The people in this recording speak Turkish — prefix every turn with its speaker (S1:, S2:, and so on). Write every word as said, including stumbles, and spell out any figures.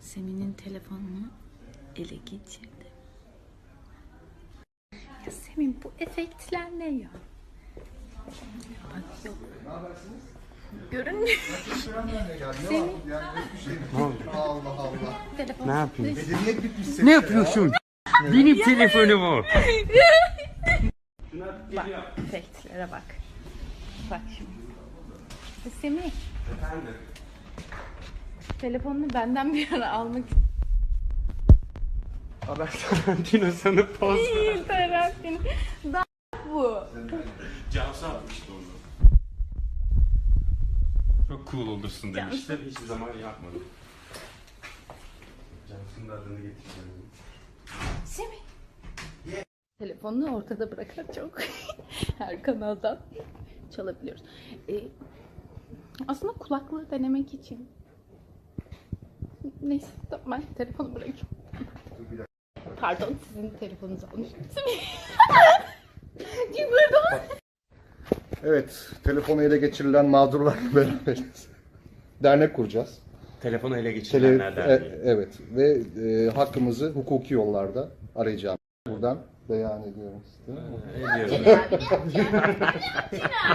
S1: Semih'in telefonunu ele geçirdi. Ya Semih, bu efektler ne ya? Bak yok. Görünmüyor. Semih.
S2: Allah Allah.
S1: Telefon.
S3: Ne yapayım?
S2: Medeniyet bitmiş.
S3: Ne yapıyorsun? Benim telefonum o.
S1: Bak efektlere bak. Bak şimdi. Semih.
S3: Efendim?
S1: Telefonunu benden bir ara almak
S3: Haber Tarantino sana poz ver.
S1: değil Tarantino. Daha bu.
S3: Cansu atmıştı onu. Çok cool olursun demişler. Hiçbir zaman yapmadım. Cansu'nun da adını getireceğim.
S1: Semih. Telefonunu ortada bırakarak çok her kanaldan çalabiliyoruz. Ee, aslında kulaklığı denemek için. Neyse tamam, ben telefonu bırakayım. Pardon, sizin telefonunuzu almıştım. Pardon.
S2: Evet, telefonu ele geçirilen mağdurlarla beraberiz. Dernek kuracağız.
S3: Telefonu ele
S2: Tele,
S3: geçirenler
S2: e,
S3: derneği.
S2: evet ve e, hakkımızı hukuki yollarda arayacağım. Buradan beyan ediyorum size.
S3: Ediyorum.